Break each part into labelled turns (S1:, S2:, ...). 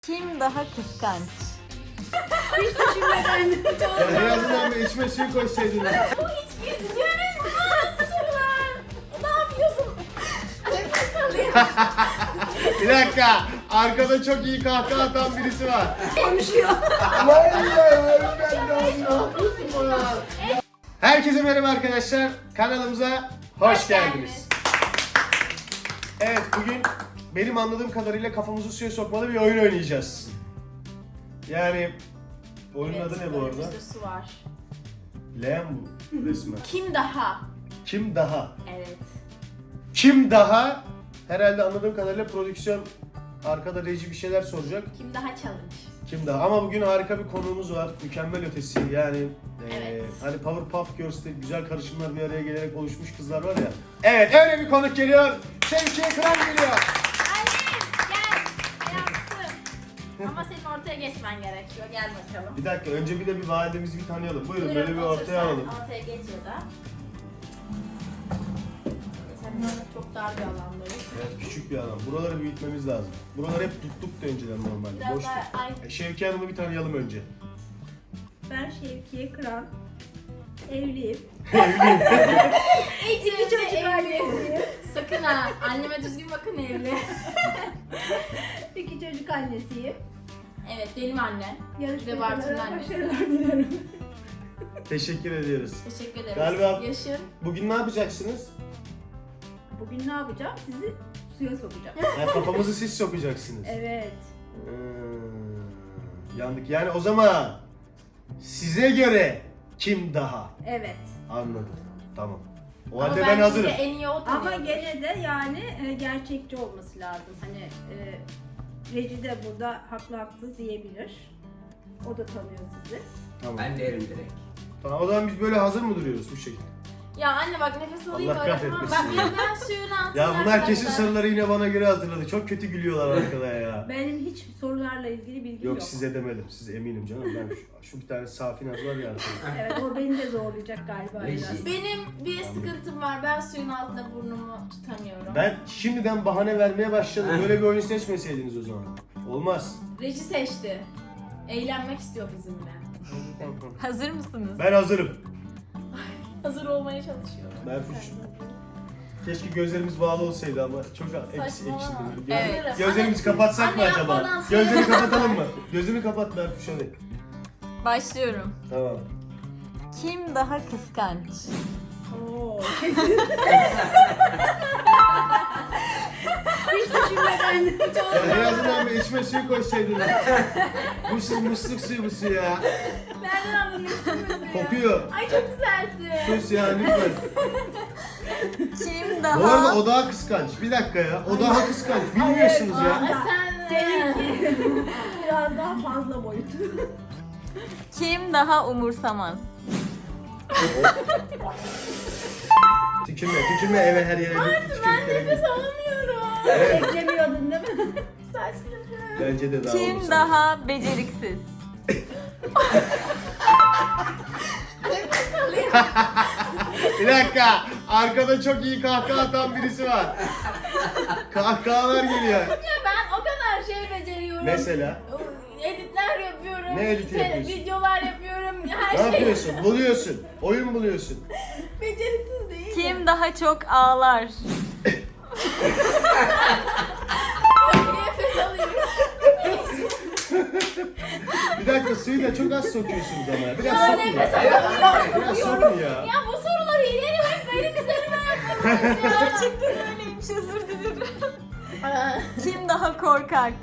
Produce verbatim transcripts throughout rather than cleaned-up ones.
S1: Kim daha kıskanç?
S2: Hiç düşünmeden.
S3: Ya en azından bir içme suyu koysaydın.
S2: Bu hiç gizliyoruz mu? Nasıl sorular? Ne yapıyorsun? Nefes alıyor.
S3: Bir dakika. Arkada çok iyi kahkaha atan birisi var.
S2: Konuşuyor.
S3: Vay ya. Ben de abi ne yapıyorsun bana? Herkese merhaba arkadaşlar. Kanalımıza hoş geldiniz. Evet, bugün benim anladığım kadarıyla kafamızı suya sokmalı bir oyun oynayacağız. Yani oyunun adı ne bu arada?
S2: Önümüzde su var.
S3: Leğen bu resmen.
S2: Kim daha?
S3: Kim daha?
S2: Evet.
S3: Kim daha? Herhalde anladığım kadarıyla prodüksiyon arkada reji bir şeyler soracak.
S2: Kim daha challenge?
S3: Kim daha? Ama bugün harika bir konuğumuz var. Mükemmel ötesi. Yani
S2: Evet.
S3: eee hani Powerpuff Girls'te güzel karışımlar bir araya gelerek oluşmuş kızlar var ya. Evet, öyle bir konuk geliyor. Şevkiye Kıran geliyor.
S2: Annem gel. Yaptım. Ama senin ortaya geçmen gerekiyor. Gel bakalım.
S3: Bir dakika, önce bir de bir validemizi bir tanıyalım. Buyurun,
S2: Buyurun,
S3: böyle bir
S2: otur
S3: ortaya
S2: sen.
S3: alalım.
S2: Ortaya geç ya da. Sen böyle çok dar bir alandayız.
S3: Evet, küçük bir alan. Buraları büyütmemiz lazım. Buraları hep tuttuk da önceden normalde.
S2: Biraz
S3: Boştuk.
S2: daha ay.
S3: E, Şevkiye Hanım'ı bir tanıyalım önce.
S4: Ben Şevkiye Kıran, evliyim.
S2: İki
S4: çocuk annesiyim.
S2: Sakın ha. Anneme düzgün bakın evli.
S4: İki çocuk annesiyim.
S2: Evet benim annem. Bir de Bartu'nun
S4: Yarışmacılara
S2: annesi.
S4: başarılar dilerim.
S3: Teşekkür ediyoruz.
S2: Teşekkür ederiz.
S3: Galiba-
S2: Yaşın.
S3: Bugün ne yapacaksınız?
S4: Bugün ne yapacağım? Sizi suya sokacağım.
S3: Yani kafamızı siz sokacaksınız.
S4: Evet.
S3: Hmm, yandık. Yani o zaman size göre kim daha?
S4: Evet.
S3: Anladım. Tamam. O
S2: Ama
S3: halde ben
S2: bence
S3: hazırım.
S2: bize en iyi o
S4: Ama
S2: tanıyordur.
S4: gene de yani e, gerçekçi olması lazım. Hani e, Reci de burada haklı haksız diyebilir. O da tanıyor sizi.
S3: Tamam.
S5: Ben derim direkt.
S3: Tamam, o zaman biz böyle hazır mı duruyoruz bu şekilde?
S2: Ya anne bak nefes alayım
S3: Allah
S2: böyle tamam.
S3: kahretmesin
S2: Bak
S3: ya.
S2: ben, ben suyun altına.
S3: Ya bunlar kesin
S2: arkadaşlar.
S3: soruları yine bana göre hazırladı. Çok kötü gülüyorlar arkada ya.
S4: Benim hiç sorularla ilgili bilgim yok.
S3: Yok, size demedim. Siz eminim canım. Ben şu, şu bir tane safi naz var ya.
S4: Evet, o beni de zorlayacak galiba
S5: Reji.
S4: biraz.
S2: Benim bir sıkıntım var. Ben suyun altında burnumu tutamıyorum.
S3: Ben şimdiden bahane vermeye başladım. Böyle bir oyun seçmeseydiniz o zaman. Olmaz.
S2: Reji seçti. Eğlenmek istiyor bizimle.
S1: Hazır mısınız?
S3: Ben hazırım.
S2: Hazır olmaya çalışıyorum.
S3: Berfuş. Keşke gözlerimiz bağlı olsaydı ama çok eksi
S2: Saçmalama.
S3: ekşi. Göz,
S1: Evet.
S3: Gözlerimizi kapatsak mı
S2: Anne
S3: acaba?
S2: yapmadan söyle.
S3: Gözlerini kapatalım mı? Gözünü kapat Berfuş hadi.
S1: Başlıyorum.
S3: Tamam.
S1: Kim daha kıskanç?
S4: Oo, kesin. Hiç düşünmeden.
S3: Ya en azından bir içme suyu koysaydın. Bu su musluk suyu bu su ya.
S2: Nereden anladın ya?
S3: Kokuyor.
S2: Ay çok güzelsin.
S3: Sus ya lütfen.
S1: Kim
S3: Bu
S1: daha...
S3: arada o daha kıskanç. Bir dakika ya. O daha kıskanç. Bilmiyorsunuz
S2: Ay
S3: ya.
S2: sen
S4: Seninki biraz daha fazla boyutu.
S1: Kim daha umursamaz?
S3: Tükürme, tükürme eve her yere.
S2: Ben
S3: Tükürük gerek
S2: nefes
S3: yok.
S2: alamıyorum.
S3: Evet,
S4: Beklemiyordun değil mi?
S2: Saçlarım.
S3: bence de daha
S1: Kim
S3: olursa.
S1: daha beceriksiz?
S2: Nefes alayım.
S3: Bir dakika. Arkada çok iyi kahkaha atan birisi var. Kahkahalar geliyor.
S2: Ya ben o kadar şey beceriyorum.
S3: Mesela?
S2: Editler yapıyorum.
S3: Ne editi
S2: te-
S3: yapıyorsun?
S2: Videolar yapıyorum. Her
S3: Ne
S2: şey.
S3: yapıyorsun? Buluyorsun. Oyun buluyorsun.
S2: Beceriksiz değil.
S1: Kim daha çok ağlar?
S2: Nefes alayım.
S3: Bir dakika, suyu da çok az sokuyorsunuz ama. Biraz
S2: Ya
S3: sokun
S2: nefes
S3: ya.
S2: alamıyorum.
S3: Biraz sokun ya.
S2: Ya bu soruları ileri hep benim üzerime yapmadınız ya.
S1: Gerçekten öyleymiş, özür dilerim.
S2: Aa,
S1: Kim daha korkak?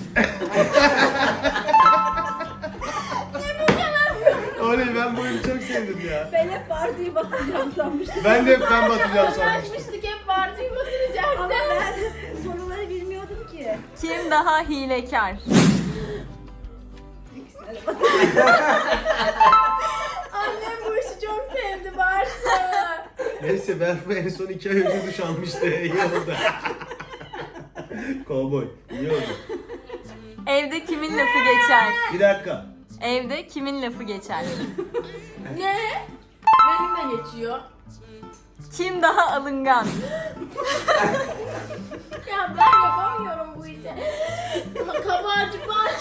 S3: Oley, ben bu oyunu çok sevdim ya.
S4: Ben hep partiyi batıracağım sanmıştım.
S3: Ben de hep ben batacağım sanmıştım.
S2: Anlaşmıştık hep partiyi batıracaktı.
S4: Ama ben soruları bilmiyordum ki.
S1: Kim daha hilekar?
S4: İkisine de batıracağım.
S2: Annem bu işi çok sevdi Bartu.
S3: Neyse, Berfu en son iki ay önce duş almıştı. İyi oldu. Kovboy. İyi oldu.
S1: Evde kimin lafı geçer?
S3: Bir dakika.
S1: Evde kimin lafı geçer?
S2: Ne? Benim de geçiyor.
S1: Kim daha alıngan?
S2: Ya ben yapamıyorum bu işi. Kabarcıklar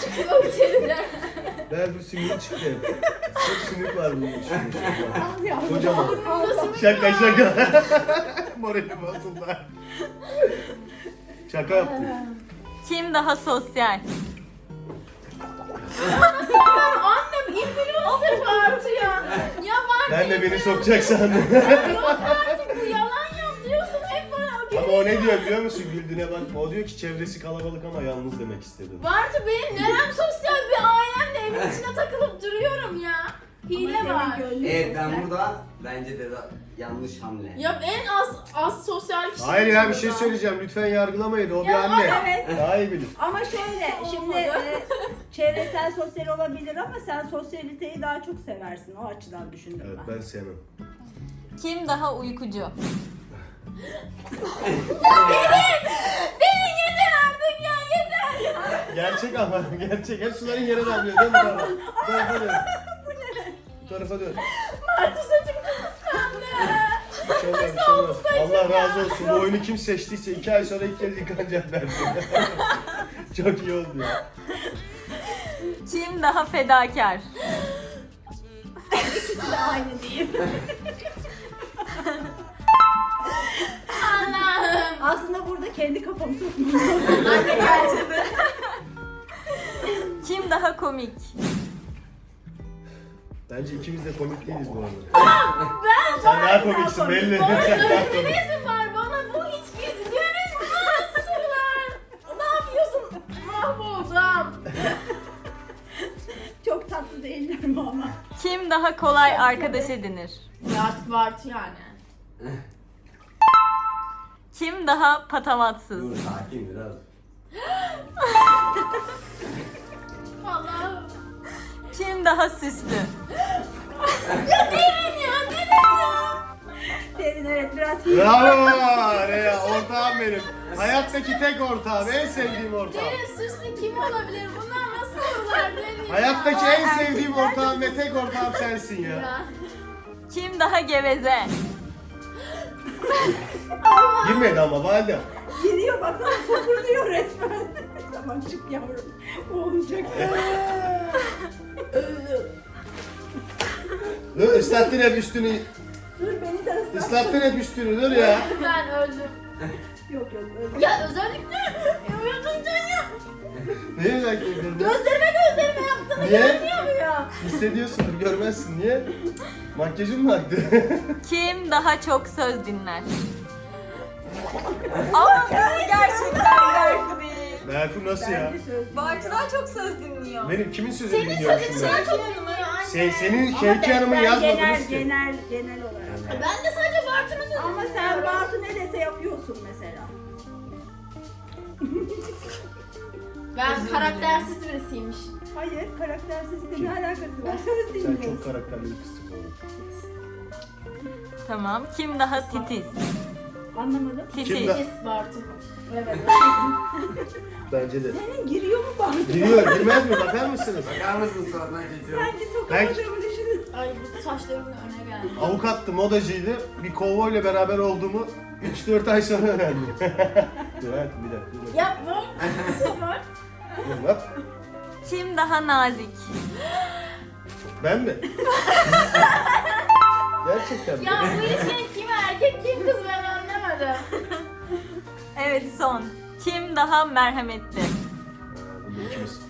S3: Berfu sümüğü çıktı. Çok sümük var bunun içinde.
S4: Al yavrum.
S3: Kocaman.
S2: Nasıl bir
S3: Şaka şaka. Moralim bozuldu. Şaka yaptım.
S1: Kim daha sosyal?
S2: Annem influencer Bartu ya. Ya Bartu
S3: Ben de beni sokacak sandım.
S2: Yok artık bu yalan yapıyorsun hep bana.
S3: Ama o ne diyor biliyor musun? Güldüğüne bakma. O diyor ki çevresi kalabalık ama yalnız demek istedi.
S2: Bartu benim nerem sosyal bir ailemle evin içine takılıp duruyorum ya. Hile var.
S5: Evet ben burada bence de da- yanlış hamle.
S2: Ya en az az sosyal kişi.
S3: Hayır ya bir şey söyleyeceğim. Lütfen yargılamayın. O bir
S2: Ya,
S3: anne.
S4: evet.
S3: Daha iyi bilir.
S4: Ama şöyle şimdi e, çevresel sosyal olabilir ama sen sosyaliteyi daha çok seversin. O açıdan düşündüm
S3: Evet
S4: ben.
S3: ben sevmem.
S1: Kim daha uykucu?
S2: Beni yeter artık ya yeter.
S3: Gerçek ama gerçek. Hep suların yere damlıyor değil mi baba? Bu tarafa dön. Bu tarafa dön.
S2: Bartu saçım kıskandı.
S3: Bir şey olmaz, bir şey olmaz. Allah razı olsun. Bu oyunu kim seçtiyse iki ay sonra ilk kez yıkanacak derdi. Çok iyi oldu ya.
S1: Kim daha fedakar?
S4: İkisi de aynı diyeyim.
S2: Allah'ım.
S4: Aslında burada kendi kafamı sokmam lazım.
S2: Anne gerçekten.
S1: Kim daha komik?
S3: Bence ikimiz de komik değiliz bu arada.
S2: Ben
S3: Sen daha komiksin belli. Sen daha komik.
S2: Öyle mi var bana bu hiç görünmez sorular. Ne yapıyorsun? Mahvoldum.
S4: Çok tatlı değiller mi ama?
S1: Kim daha kolay arkadaş edinir?
S2: Ya artık Bartu yani.
S1: Kim daha patavatsız?
S5: Dur sakin biraz.
S2: Allah'ım.
S1: Kim daha süslü?
S2: Ya derin ya derin ya.
S4: Derin evet biraz
S3: Bravo! Ne ya ortağım benim. Hayattaki tek ortağım. En sevdiğim ortağım.
S2: Derin süslü kim olabilir? Bunlar nasıl sorular derin ya?
S3: Hayattaki en sevdiğim ortağım ve tek ortağım sensin ya.
S2: Ya.
S1: Kim daha geveze?
S3: Girmedi ama valide.
S4: giriyor bakalım fokurduyor resmen. Tamam çık yavrum. O olacak.
S3: Dur ıslattın hep üstünü.
S4: Dur beni de ıslat.
S3: Islattın hep üstünü dur ya.
S2: Ben öldüm.
S4: Yok yok öyle.
S2: Ya özellikle uyudun can ya.
S3: Niye merak ediyorsun?
S2: Gözlerime gözlerime yaptığını
S3: Niye?
S2: görmüyor ya.
S3: Hissediyorsundur görmezsin. Niye? Makyajın mı aktı?
S1: Kim daha çok söz dinler? Ama bu gerçekten Berfu değil.
S3: Berfu nasıl ya?
S4: Bence söz.
S1: Bartu'dan çok söz dinliyor.
S3: Benim kimin sözünü
S2: Senin
S3: dinliyorum
S2: sözün
S3: şimdi?
S2: sen çok dinliyor anne.
S3: Sen, senin
S4: Ama
S3: Şevki
S4: ben-
S3: Hanım'ın
S4: ben
S3: yazmadınız
S4: genel,
S3: ki.
S4: genel genel olarak.
S2: Ben de sadece Bartu'nun sözünü
S4: Ama sen
S2: dinliyorum.
S4: Bartu ne dese yapıyorsun mesela.
S2: Ben karaktersiz birisiymiş.
S4: Hayır karaktersizlikle ne alakası var? Söz
S3: Sen
S4: dinliyorsun.
S3: çok karakterli bir kızsın oğlum.
S1: Tamam. Kim daha titiz?
S4: Anlamadım.
S3: Kim
S1: Titiz.
S3: daha-
S2: Pis Bartu.
S4: Evet.
S3: Bence de.
S4: Senin giriyor mu Bartu?
S3: Giriyor, girmez mi? Bakar mısınız?
S5: Bakar mısın sonradan geçiyorum.
S4: Sanki
S3: Ben-
S4: sokamadığımı düşünün.
S2: Ay bu saçlarımın öne geldi.
S3: Avukattı, modacıydı. Bir kovboyla beraber olduğumu üç dört ay sonra öğrendim. Dur hayatım bir dakika. Bir dakika.
S2: Ya bu nasıl var?
S3: Dur, hop.
S1: Kim daha nazik?
S3: Ben mi? Gerçekten mi?
S2: Ya bu ilişkinin kim erkek kim kız ben anlamadım.
S1: Evet son. Kim daha merhametli?
S3: Ha, Bunu ikimiz.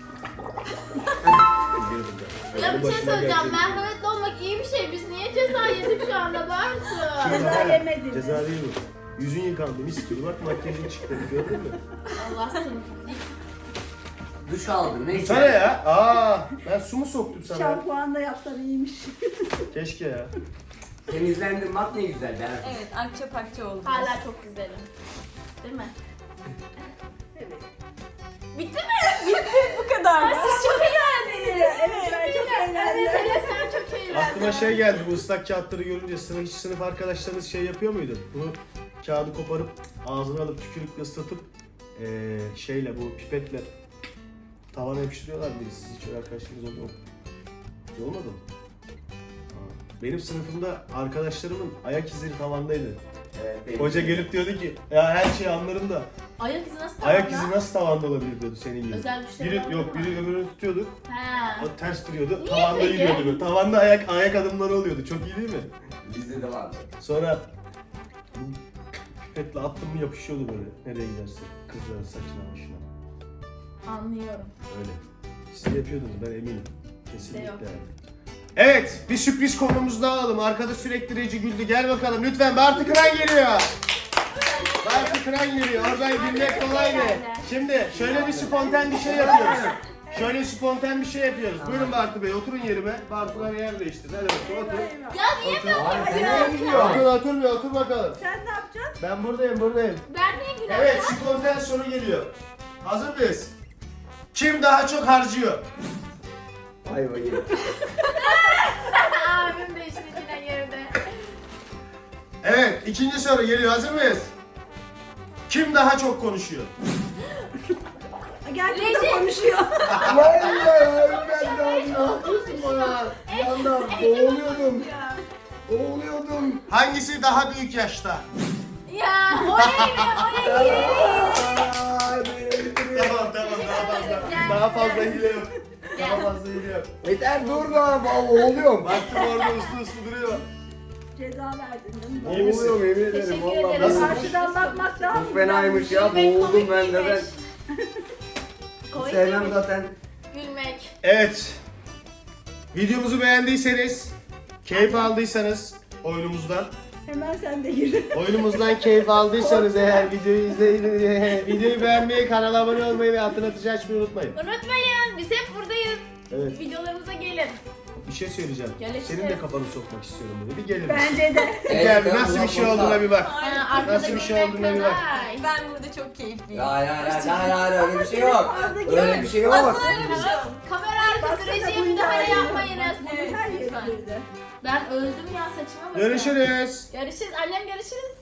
S2: Ya bir şey
S3: Başıma
S2: söyleyeceğim.
S3: gelecek.
S2: Merhametli olmak iyi bir şey. Biz niye ceza yedik şu anda Bartu?
S4: Ceza yemediniz.
S3: Ceza değil mi? Yüzün yıkandı mis gibi bak makyajın çıktı gördün mü?
S2: Allah seni.
S5: Duş aldım neyse.
S3: Sana ya. Aa, ben su mu soktum sana?
S4: Şampuan da yapsan iyiymiş.
S3: Keşke ya.
S5: Temizlendim bak ne güzel ben.
S1: Evet, akça pakça oldu.
S2: Hala çok güzelim. Değil mi?
S4: Evet.
S2: Bitti mi?
S1: Bu kadar.
S2: Ay, siz çok eğlendiniz.
S4: Evet, ben çok eğlendim.
S2: Evet hele sen çok eğlendin.
S3: Aklıma şey geldi bu ıslak kağıtları görünce sınıf, hiç sınıf arkadaşlarınız şey yapıyor muydu? Bunu kağıdı koparıp ağzına alıp tükürükle ıslatıp eee şeyle bu pipetle tavana yapıştırıyorlar mıydı? Siz hiç öyle arkadaşlarınız oldu mu? Olmadı mı? Aa, benim sınıfımda arkadaşlarımın ayak izleri tavandaydı.
S5: Evet, benim.
S3: Hoca gelip diyordu ki ya her şeyi anlarım da
S2: Ayak izi nasıl
S3: Ayak
S2: tavanda?
S3: izi nasıl tavanda olabilir diyordu senin gibi.
S2: Özel güçleri
S3: Biri
S2: var
S3: yok,
S2: mı?
S3: biri öbürünü tutuyordu.
S2: He.
S3: O ters duruyordu.
S2: Niye
S3: Tavanda
S2: peki?
S3: yürüyordu böyle. Tavanda ayak ayak adımları oluyordu. Çok iyi değil mi?
S5: Bizde de vardı.
S3: Sonra pipetle attım mı yapışıyordu böyle. Nereye giderse. Kızların saçına başına.
S2: Anlıyorum.
S3: Öyle. Siz yapıyordunuz ben eminim. Kesinlikle.
S2: yok.
S3: Evet, bir sürpriz konumuz daha alalım. Arkada sürekli Reci güldü. Gel bakalım lütfen. Bartu Kıran geliyor. Bartu Kıran geliyor. Oradan gülmek kolay mı? Şimdi şöyle bir spontan bir şey yapıyoruz. Şöyle spontan bir şey yapıyoruz. Buyurun Bartu Bey, oturun yerime. Bartu'lar yer değiştirdi. Hadi bakalım otur.
S2: Ya niye böyle
S5: Abi sen
S2: yapıyorsun?
S5: nereye gidiyorsun?
S3: Otur, otur bir, otur bakalım.
S4: Sen ne yapacaksın?
S3: Ben buradayım, buradayım.
S2: Ben niye gülüyorum?
S3: Evet, spontan soru geliyor. Hazır mıyız? Kim daha çok harcıyor?
S5: Vay vay.
S2: Abim de işin içine girdi.
S3: Evet, ikinci soru geliyor. Hazır mıyız? Kim daha çok konuşuyor?
S4: Gerçekten
S2: Recep.
S4: konuşuyor.
S3: Vay ya, ben daha ne yapıyorsun bana? Bir anda boğuluyordum. Boğuluyordum. Hangisi daha büyük yaşta?
S2: Ya oraya gir, oraya gir.
S3: Tamam tamam daha fazla. Daha fazla hile yok. Daha fazla hile yok.
S5: Yeter dur lan boğuluyorum.
S3: Baktım orada uslu uslu duruyor.
S4: Ceza verdin değil mi?
S3: İyi misin?
S5: Boğuluyorum yemin ederim.
S2: Teşekkür
S5: Vallahi
S2: ederim.
S3: Nasıl?
S4: Karşıdan bakmak daha
S5: Çok fenaymış ya
S2: Gülmek
S5: boğuldum
S2: komik
S5: ben de ben.
S2: değilmiş. Komik
S5: Sevmem
S2: değilmiş.
S5: zaten.
S2: Gülmek.
S3: Evet. Videomuzu beğendiyseniz, keyif aldıysanız oyunumuzdan,
S4: Hemen sen de gir.
S3: oyunumuzdan keyif aldıysanız eğer videoyu izleyin, videoyu beğenmeyi, kanala abone olmayı ve hatırlatıcı açmayı unutmayın.
S2: Unutmayın biz hep buradayız.
S3: Evet.
S2: Videolarımıza gelin.
S3: Bir şey söyleyeceğim.
S2: Görüşürüz.
S3: Senin de kafanı sokmak istiyorum böyle. Bir gelir misin?
S4: Bence de.
S3: Bir gel bir nasıl bir şey olduğuna bir bak.
S2: Ha, arkada
S3: Nasıl bir şey
S2: gülmek
S3: olduğuna bir bak.
S2: kolay.
S1: Ben burada çok keyifliyim.
S5: Ya ya ya ya ya öyle bir şey yok. Öyle bir şey yok.
S1: Aslında öyle bir şey yok.
S2: Kamera arkası
S4: Baksana,
S2: rejiye
S4: bu
S2: müdahale
S4: hikaye-
S2: yapmayınız.
S4: Her yere
S2: Lütfen.
S4: girdi.
S2: Ben öldüm ya saçıma bakın.
S3: Görüşürüz.
S2: Görüşürüz. Annem görüşürüz.